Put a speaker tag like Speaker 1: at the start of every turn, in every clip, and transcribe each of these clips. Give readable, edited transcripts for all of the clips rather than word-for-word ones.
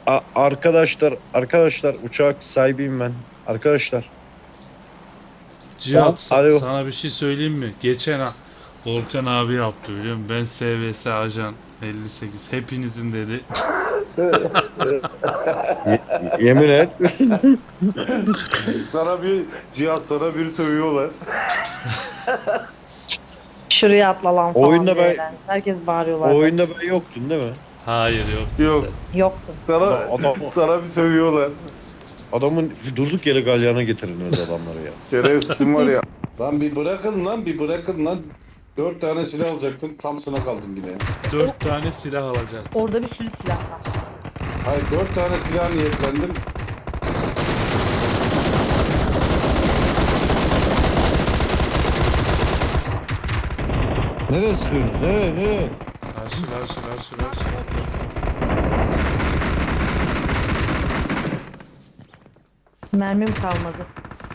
Speaker 1: Arkadaşlar uçak sahibiyim ben. Arkadaşlar.
Speaker 2: Cihat
Speaker 1: Alo.
Speaker 2: sana bir şey söyleyeyim mi? Geçen Volkan abi yaptı biliyor musun? Ben SVS ajan 58 hepinizin dedi.
Speaker 1: Yemin et.
Speaker 3: Sana bir Cihat sana bir sövüyorlar.
Speaker 4: Şuraya atla lan
Speaker 1: O
Speaker 4: falan
Speaker 1: oyunda
Speaker 4: diye
Speaker 1: ben
Speaker 4: yani. Herkes
Speaker 1: o
Speaker 4: bağırıyorlardı.
Speaker 1: oyunda ben yoktun değil mi?
Speaker 2: Hayır yoktu
Speaker 3: Yok.
Speaker 2: sen.
Speaker 4: Yoktu.
Speaker 3: Sana
Speaker 1: Adam
Speaker 3: sana bir sövüyorlar.
Speaker 1: adamın durduk yere galyana getirin öyle adamları ya.
Speaker 3: Şerefsizim var ya.
Speaker 5: Lan bir bırakın lan, bir bırakın lan. 4 tane silah alacaktım, tam sana kaldım yine.
Speaker 2: 4 tane silah alacak.
Speaker 4: Orada bir sürü silah var.
Speaker 5: Hayır, 4 tane silah niyetlendim.
Speaker 1: Nereye sürüyorsun? Nereye?
Speaker 2: Karşı.
Speaker 4: Mermim kalmadı.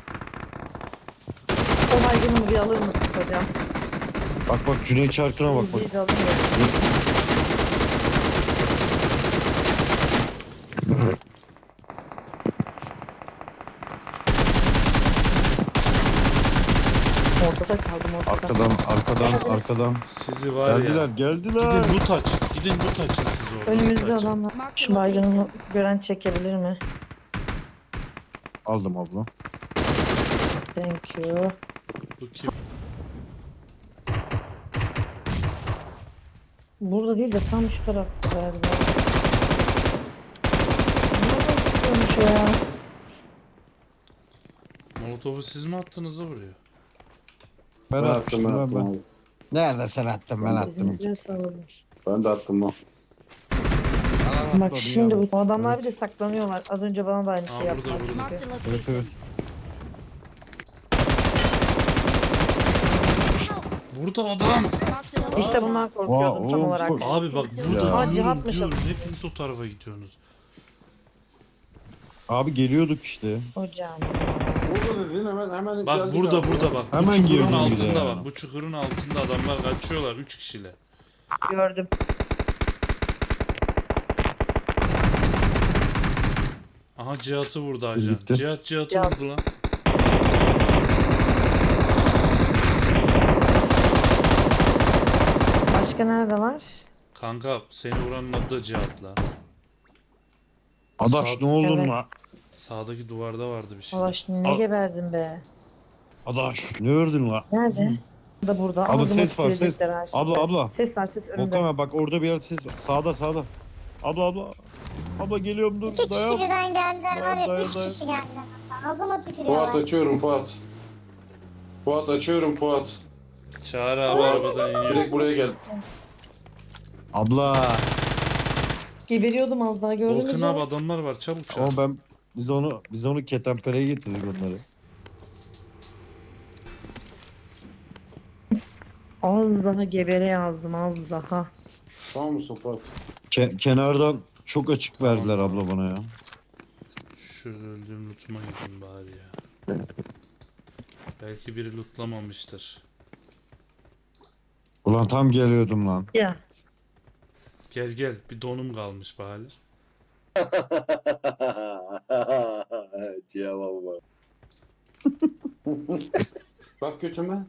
Speaker 4: O baygınımı bir alır mısın hocam?
Speaker 1: Bak Cüneyt Çarkı'na bak.
Speaker 4: Bir de alamıyorum. Ortada kaldım ortada.
Speaker 1: Arkadan.
Speaker 2: Sizi var ya.
Speaker 1: Geldiler.
Speaker 2: Gidin loot açın. Gidin loot açın siz orada.
Speaker 4: Önümüzde
Speaker 2: loot açın.
Speaker 4: adamlar. Şu baygınımı gören çekebilir mi?
Speaker 1: Aldım abla.
Speaker 4: Thank you.
Speaker 2: Bu kim?
Speaker 4: Burada değil de tam şu tarafta galiba. Nereden çıkıyormuş o ya?
Speaker 2: Molotov'u siz mi attınız da buraya?
Speaker 1: Ben
Speaker 5: Ben
Speaker 1: atmıştım
Speaker 5: attım
Speaker 1: ben.
Speaker 5: abi.
Speaker 1: Nerede sen attın ben attım.
Speaker 4: Bizimkiler sağlamış.
Speaker 5: Ben de attım lan.
Speaker 4: Bak şimdi bu adamlar bir de saklanıyorlar. Az önce bana da aynı
Speaker 2: Aa,
Speaker 4: şey
Speaker 2: burada,
Speaker 4: yaptılar.
Speaker 2: burada.
Speaker 4: çünkü.
Speaker 1: Evet.
Speaker 2: Burada adam.
Speaker 4: İşte bundan korkuyordum
Speaker 1: Aa,
Speaker 4: tam
Speaker 1: oğlum,
Speaker 4: olarak.
Speaker 2: Abi bak burada
Speaker 4: Ya.
Speaker 2: diyorum,
Speaker 4: Cihat'mış
Speaker 2: diyorum. Hepiniz o tarafa gidiyorsunuz.
Speaker 1: Abi geliyorduk işte.
Speaker 4: Hocam.
Speaker 5: Burada dedin hemen
Speaker 2: Bak
Speaker 5: geldik
Speaker 2: burada
Speaker 5: abi.
Speaker 2: bak.
Speaker 1: Hemen
Speaker 2: bu çukurun
Speaker 1: girdim bir de
Speaker 2: altında
Speaker 1: ya.
Speaker 2: bak. Bu çukurun altında adamlar kaçıyorlar 3 kişiyle.
Speaker 4: Gördüm.
Speaker 2: Aha Cihat'ı vurdu ajan.
Speaker 1: Gitti.
Speaker 2: Cihat'ı
Speaker 4: Cihat.
Speaker 2: vurdu lan.
Speaker 4: Başka nerede var?
Speaker 2: Kanka seni vuranın adı da Cihat la.
Speaker 1: Adaş
Speaker 2: Sağ-
Speaker 1: ne olur
Speaker 4: Evet.
Speaker 1: la?
Speaker 2: Sağdaki duvarda vardı bir şey.
Speaker 4: Ulaş ne
Speaker 1: Al.
Speaker 4: geberdin be.
Speaker 1: Adaş ne ördün la?
Speaker 4: Nerede? Da burada.
Speaker 1: Abla
Speaker 4: Ama
Speaker 1: ses var ses.
Speaker 4: gelecekler ha şimdi.
Speaker 1: Abla.
Speaker 4: Ses var ses önümde.
Speaker 1: Volkan abi bak orada bir yerde ses var. Sağda. Abla. Abla geliyorum dur.
Speaker 6: İki kişi
Speaker 1: Dayan.
Speaker 6: birden geldiler var ya,
Speaker 1: Dayan,
Speaker 6: üç
Speaker 1: dayan.
Speaker 6: kişi geldiler. Ağzıma
Speaker 5: Fuat
Speaker 6: tükürüyorlar.
Speaker 5: açıyorum Fuat. Fuat açıyorum Fuat.
Speaker 2: Çağrı abi arabadan iniyor.
Speaker 5: Direkt buraya gel.
Speaker 1: Abla.
Speaker 4: Geberiyordum az daha gördün mü?
Speaker 2: Volkan
Speaker 4: canım?
Speaker 2: abi adamlar var çabuk çağır.
Speaker 1: Ama biz onu ketenpereye getirdik onları.
Speaker 4: Az daha gebere yazdım az daha.
Speaker 5: Tamam mısın Fuat?
Speaker 1: Kenardan çok açık verdiler abla bana ya.
Speaker 2: Şurada öldüğüm lootuma gideyim bari ya. Belki biri lootlamamıştır.
Speaker 1: Ulan tam geliyordum lan.
Speaker 4: Ya.
Speaker 2: Gel bir donum kalmış bari.
Speaker 5: Bak götüme.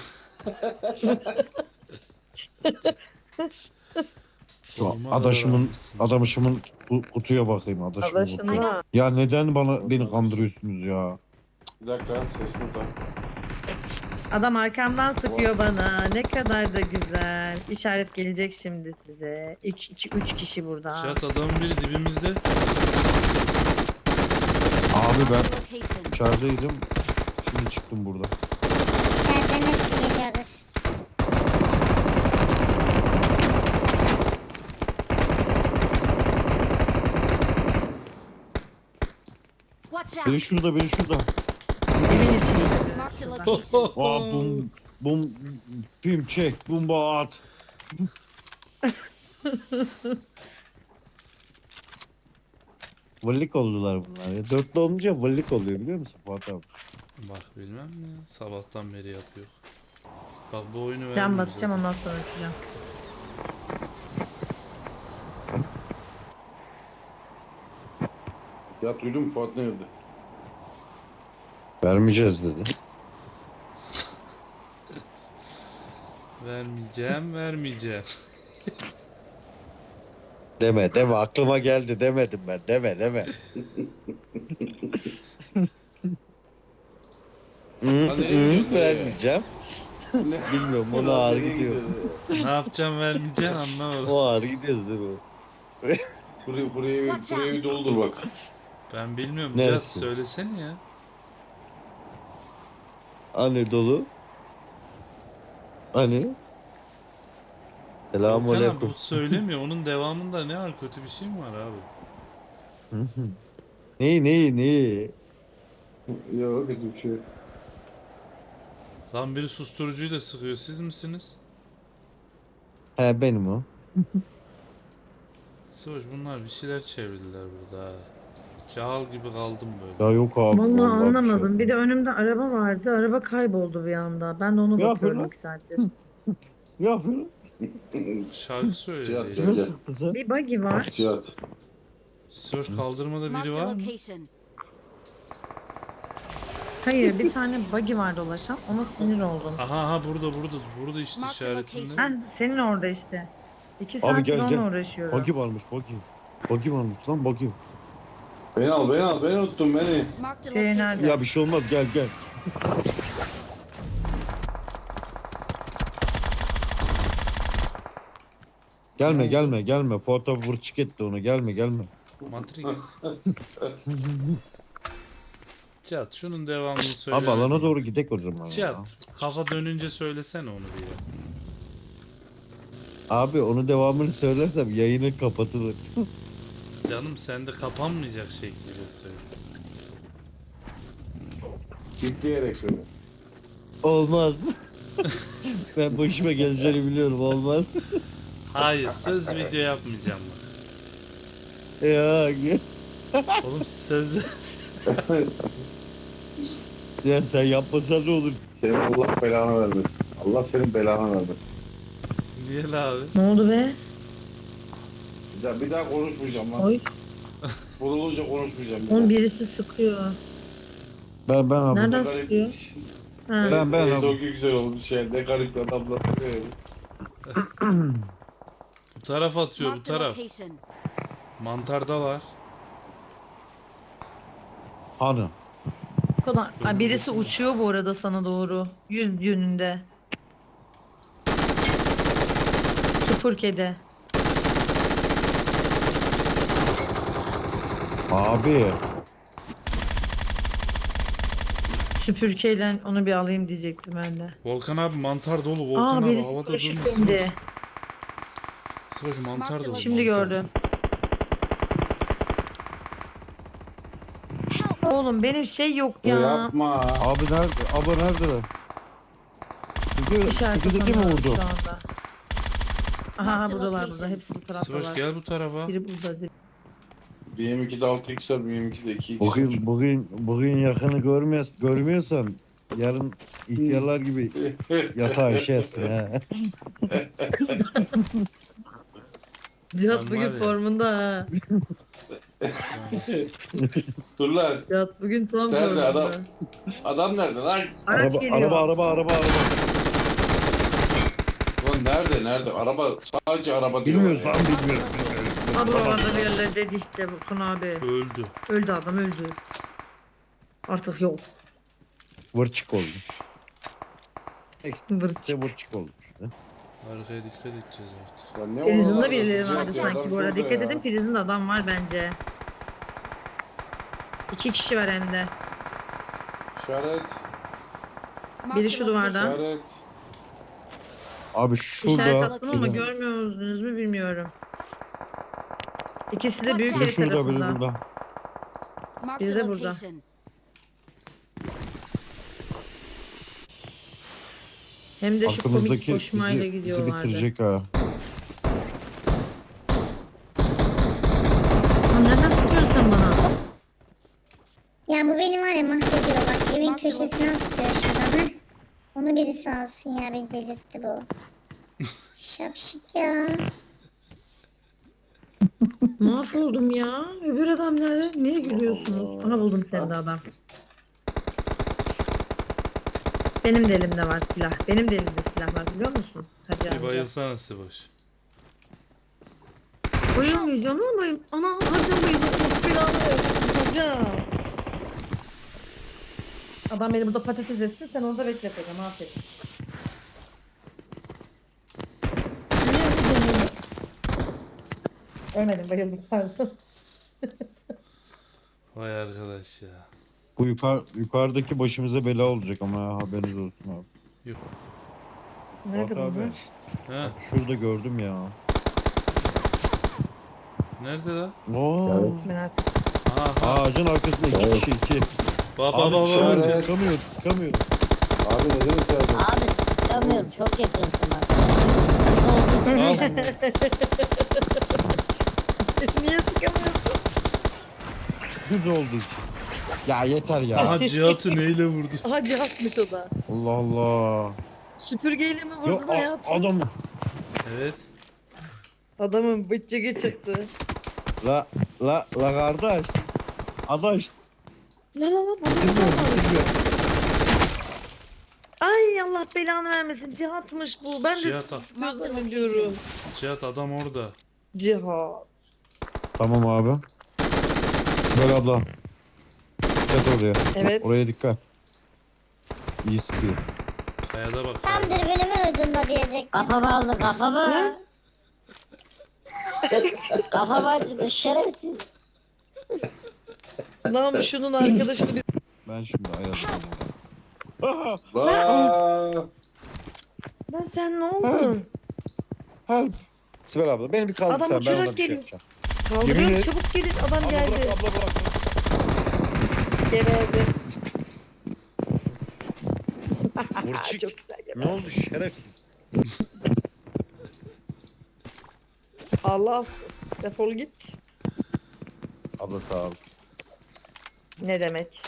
Speaker 2: Sorma
Speaker 1: Adaşımın
Speaker 2: da-
Speaker 1: adaşımın kutuya bakayım adaşımın.
Speaker 4: Adaşımla.
Speaker 1: Ya neden beni kandırıyorsunuz ya?
Speaker 5: Bir dakika, ses burada.
Speaker 4: Adam arkamdan sıkıyor bana. Ne kadar da güzel. İşaret gelecek şimdi size. 3 kişi burada.
Speaker 2: Cihat adamın biri dibimizde.
Speaker 1: Abi ben içerideydim. Şimdi çıktım burada.
Speaker 6: İçeriden hepsi geliyordur.
Speaker 1: Biri şurada.
Speaker 4: Evin içinde.
Speaker 1: Aa, bum pim çek bomba at. Valilik oldular bunlar ya. Dörtlü olunca valilik oluyor biliyor musun Fuat abi?
Speaker 2: Bak bilmem ne. Sabahtan beri yapıyor. Bak bu oyunu
Speaker 4: Can
Speaker 2: vermiyor
Speaker 4: basacağım
Speaker 2: zaten.
Speaker 4: ondan sonra açacağım.
Speaker 5: Ya duydun mu Fuat nerede?
Speaker 3: Vermeyeceğiz dedi.
Speaker 2: Vermeyeceğim.
Speaker 3: Deme aklıma geldi demedim ben. Deme. Vermeyeceğim.
Speaker 5: Ne?
Speaker 3: Bilmiyorum ona ağır
Speaker 5: Nereye
Speaker 3: gidiyor.
Speaker 2: Ne yapacağım vermeyeceğim anlamadım.
Speaker 3: O ağır gidiyoruz değil mi?
Speaker 5: Buraya bir doldur bak.
Speaker 2: Ben bilmiyorum.
Speaker 3: Neresi?
Speaker 2: Cihat söylesene ya.
Speaker 3: Hani dolu? Hani?
Speaker 2: Volkan abi
Speaker 3: Selamünaleyküm.
Speaker 2: bu söylemiyor. Onun devamında ne var? Kötü bir şey mi var abi?
Speaker 3: Neyi?
Speaker 5: Yok kötü bir şey.
Speaker 2: Lan biri susturucuyla sıkıyor. Siz misiniz?
Speaker 3: He benim o.
Speaker 2: Sıvaş bunlar bir şeyler çevirdiler burada ha. Cahil gibi kaldım böyle.
Speaker 3: Ya yok abi.
Speaker 4: Vallahi
Speaker 3: bir
Speaker 4: anlamadım.
Speaker 3: şey
Speaker 4: Bir de önümde araba vardı. Araba kayboldu bir anda. Ben de ona
Speaker 3: Ya
Speaker 4: bakıyorum
Speaker 3: böyle.
Speaker 4: 2 saattir.
Speaker 3: Ne yapıyorsun?
Speaker 2: Şarkı söylüyor.
Speaker 5: Cihat
Speaker 2: diye.
Speaker 5: gel
Speaker 3: Ne
Speaker 5: gel.
Speaker 3: sıktın sen?
Speaker 4: Bir buggy var.
Speaker 5: Cihat.
Speaker 2: Sıvaş kaldırmada biri
Speaker 7: Marked a
Speaker 2: var mı?
Speaker 7: location.
Speaker 4: Hayır, bir tane buggy var dolaşan. Ona sinir oldum.
Speaker 2: Aha burada işte
Speaker 7: Marked
Speaker 2: işaretinde.
Speaker 7: location.
Speaker 4: Ben senin orada işte. 2
Speaker 3: Abi
Speaker 4: saattir
Speaker 3: gel,
Speaker 4: onunla
Speaker 3: gel.
Speaker 4: uğraşıyorum.
Speaker 3: Bagi varmış bagi. Bagi varmış lan bagi.
Speaker 5: Beni al. Beni unuttun beni.
Speaker 7: Marked a
Speaker 4: Şey
Speaker 7: location.
Speaker 4: nerede?
Speaker 3: Ya bir şey olmaz gel. Gelme. Foto vur çık etti onu. Gelme.
Speaker 2: Matrix. Cihat şunun devamını söyle.
Speaker 3: Abi alana doğru gidek o zaman. ya.
Speaker 2: Cihat kafa dönünce söylesene onu bir ya.
Speaker 3: Abi onu devamını söylersem yayını kapatılır.
Speaker 2: Canım sen de kapanmayacak şekilde söyle.
Speaker 5: Kitleyerek söyle.
Speaker 3: Olmaz. Ben bu işime geleceğini biliyorum olmaz.
Speaker 2: Hayır söz video yapmayacağım bak.
Speaker 3: Ya,
Speaker 2: Oğlum söz
Speaker 3: ya sen yapmasan ne olur?
Speaker 5: Senin Allah belanı vermesin. Allah senin belanı vermesin.
Speaker 2: niye la abi?
Speaker 4: Ne oldu be?
Speaker 5: Bir daha konuşmayacağım lan.
Speaker 4: Oy.
Speaker 5: Vurulunca konuşmayacağım.
Speaker 4: Onun birisi sıkıyor.
Speaker 3: Ben abi.
Speaker 4: Nereden
Speaker 5: Garip.
Speaker 4: sıkıyor? Ha.
Speaker 3: Ben
Speaker 5: Neyse,
Speaker 3: abi.
Speaker 5: çok güzel olmuş şey. Ne garip adamlar. Evet.
Speaker 2: Bu taraf atıyor bu
Speaker 7: Marked a
Speaker 2: taraf.
Speaker 7: location.
Speaker 2: Mantardalar.
Speaker 3: Hani?
Speaker 4: O kadar. Ha, birisi uçuyor bu arada sana doğru. 100 yönünde. Çukur kedi.
Speaker 3: Abi.
Speaker 4: Süpürgeyle onu bir alayım diyecektim ben de.
Speaker 2: Volkan abi mantar dolu. Volkan
Speaker 4: Aa
Speaker 2: abi
Speaker 4: birisi
Speaker 2: havada
Speaker 4: paraşüt
Speaker 2: durmuş.
Speaker 4: indi.
Speaker 2: Sıvaş mantar dolu.
Speaker 4: Şimdi
Speaker 2: mantar.
Speaker 4: gördüm. Oğlum benim şey yok ya.
Speaker 5: Yapma.
Speaker 3: Abi nerede? Abi nerede?
Speaker 4: İşaret
Speaker 3: Sıkıntı mi vurdu?
Speaker 4: şu anda. Aha
Speaker 7: Marked
Speaker 4: buradalar burada.
Speaker 7: location.
Speaker 4: Hepsi bu taraftalar.
Speaker 2: Sıvaş gel bu tarafa.
Speaker 4: Biri burada.
Speaker 5: Bir M2'de 6x var, bir M2'de 2x.
Speaker 3: Bugün yakını görmüyorsan yarın ihtiyarlar gibi yatağa işersin ha.
Speaker 4: Cihat
Speaker 2: Ben
Speaker 4: bugün
Speaker 2: var ya.
Speaker 4: formunda ha.
Speaker 5: Dur lan.
Speaker 4: Cihat bugün tam
Speaker 5: Nerede
Speaker 4: formunda.
Speaker 5: adam? Adam nerede lan?
Speaker 4: Araç geliyor.
Speaker 3: Araba.
Speaker 5: Lan nerede? Araba sadece araba diyor.
Speaker 3: Bilmiyoruz
Speaker 5: ya.
Speaker 3: lan bilmiyoruz.
Speaker 4: Abi orada bir yerlerdeydi işte Burkun abi.
Speaker 2: Öldü.
Speaker 4: Öldü adam öldü. Artık yok.
Speaker 3: Vırçık oldu.
Speaker 4: Vırç.
Speaker 3: İşte vırçık oldu.
Speaker 2: Arkaya dikkat edeceğiz artık.
Speaker 5: Ya ne
Speaker 4: Prizinde
Speaker 5: oralarda
Speaker 4: birileri
Speaker 5: sıcak
Speaker 4: vardı
Speaker 5: ya,
Speaker 4: sanki
Speaker 5: adam
Speaker 4: bu arada.
Speaker 5: şurada
Speaker 4: Dikkat
Speaker 5: ya.
Speaker 4: edin prizinde adam var bence. 2 kişi var hem de.
Speaker 5: İşaret.
Speaker 7: Marked
Speaker 4: Biri
Speaker 7: a
Speaker 4: şu duvarda.
Speaker 7: location.
Speaker 5: İşaret.
Speaker 3: Abi
Speaker 4: İşaret
Speaker 3: şurada.
Speaker 4: attım ama görmüyor musunuz mu bilmiyorum. İkisi de büyük
Speaker 3: Biri
Speaker 4: ev
Speaker 3: şurada biri
Speaker 4: tarafında.
Speaker 3: burada.
Speaker 7: Marked
Speaker 4: Biri
Speaker 7: a
Speaker 4: de burada.
Speaker 7: location.
Speaker 4: Hem de şu komik
Speaker 3: Aklımızdaki
Speaker 4: koşmayla
Speaker 3: bizi
Speaker 4: gidiyorlardı.
Speaker 3: bitirecek ha.
Speaker 4: Lan nereden tutuyorsun sen bana?
Speaker 6: Ya bu beni var ya mahvediyor bak. Evin köşesine atıyor şuradan. Heh. Onu birisi alsın ya beni delirtti bu. Şapşik ya.
Speaker 4: Mahvoldum ya. Öbür adam nerede? Niye gülüyorsunuz?
Speaker 5: Allah.
Speaker 4: Aha buldum seni de adam. Benim de elimde var silah. Benim de elimde silah var biliyor musun? Hacı
Speaker 2: Bir
Speaker 4: amca.
Speaker 2: bayılsana Siboş.
Speaker 4: Bayılmayacağım ama ana hacı bayılacağım. Silahı hacı. Adam beni burada patates etsin sen orada bekleteceğim aferin. Niye vurdun beni? Ölmedim bayıldım pardon.
Speaker 2: Vay arkadaş ya.
Speaker 1: Bu yukarıdaki başımıza bela olacak ama ha, haberiniz olsun abi.
Speaker 4: Nerede
Speaker 1: Fuat abi.
Speaker 4: bunlar?
Speaker 2: He,
Speaker 1: Şurada gördüm ya.
Speaker 2: nerede lan?
Speaker 1: Oo.
Speaker 5: Evet.
Speaker 4: Merak
Speaker 2: Aha,
Speaker 1: Ağacın arkasında iki
Speaker 5: Evet.
Speaker 1: kişi iki.
Speaker 2: baba
Speaker 1: Abi
Speaker 2: baba
Speaker 1: dışarı
Speaker 2: baba.
Speaker 1: sıkamıyor sıkamıyor.
Speaker 5: Abi neden içeride?
Speaker 8: Abi sıkamıyorum çok yakınsın bak.
Speaker 2: Al.
Speaker 4: Niye sıkamıyorsun?
Speaker 1: Hız olduğu için. Ya yeter ya.
Speaker 2: Aha Cihat'ı neyle vurdu?
Speaker 4: Hacı atmış o da.
Speaker 1: Allah Allah.
Speaker 4: Süpürgeyle mi
Speaker 1: Yok
Speaker 4: vurdun hayatım?
Speaker 1: adam.
Speaker 2: Evet.
Speaker 4: Adamın bıçağı çıktı.
Speaker 1: La kardeş. Adaş.
Speaker 4: La la la bu
Speaker 1: Bitirmiyor bitirmiyor.
Speaker 4: Ay Allah belanı vermesin. Cihat'mış bu. Ben de
Speaker 2: Cihat al.
Speaker 4: gözlemim diyorum.
Speaker 2: Cihat adam orada.
Speaker 4: Cihat.
Speaker 1: Tamam abi. Sibel abla. Dikkat oraya.
Speaker 4: Evet.
Speaker 1: Oraya dikkat. İyi sıkıyor.
Speaker 2: Kayada bak.
Speaker 6: Tam
Speaker 2: kayada.
Speaker 6: dürbünümün ucunda diyecek.
Speaker 8: Kafamı aldı kafamı. Kafamı acıdı şerefsiz.
Speaker 4: Lan şunun arkadaşını bir...
Speaker 1: Ben şimdi ayazım. Aha,
Speaker 5: Vaa!
Speaker 4: Lan sen ne oldun?
Speaker 1: help. Sibel abla beni bir kaldır
Speaker 4: Adam
Speaker 1: sen ben
Speaker 4: uçarak
Speaker 1: ona bir şey
Speaker 4: geliyor.
Speaker 1: yapacağım.
Speaker 4: Kaldırıyorum
Speaker 1: Yemin et-
Speaker 4: çabuk gelin. Adam
Speaker 1: Abla
Speaker 4: geldi.
Speaker 1: bırak abla bırak.
Speaker 4: Geldi.
Speaker 1: Burçik.
Speaker 4: Çok güzel geldi.
Speaker 1: Ne oldu şerefsiz?
Speaker 4: Allah defol git.
Speaker 1: Abla sağ ol.
Speaker 4: Ne demek?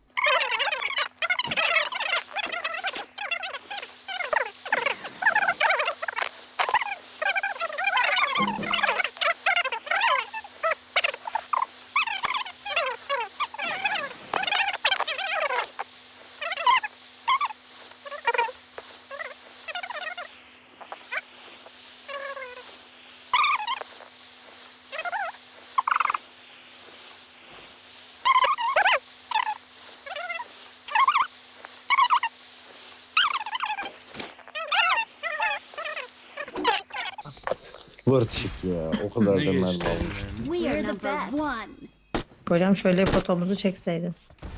Speaker 1: Vırçık ya. O kadar
Speaker 2: Ne
Speaker 1: da mermi
Speaker 2: geçti
Speaker 1: almış.
Speaker 2: elinden?
Speaker 7: We are the best.
Speaker 4: Hocam şöyle fotomuzu çekseydin.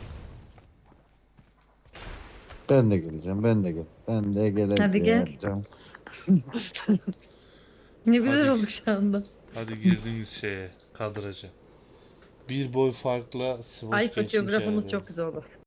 Speaker 1: Ben de geleceğim. Ben de gel. Ben de geleceğim.
Speaker 4: Hadi gel. Ne güzel
Speaker 2: Hadi.
Speaker 4: oldu şu anda.
Speaker 2: Hadi girdiniz şeye, kadraja. Bir boy farkla Siboş
Speaker 4: Ay
Speaker 2: geçmiş
Speaker 4: fotoğrafımız
Speaker 2: herhalde.
Speaker 4: çok güzel oldu.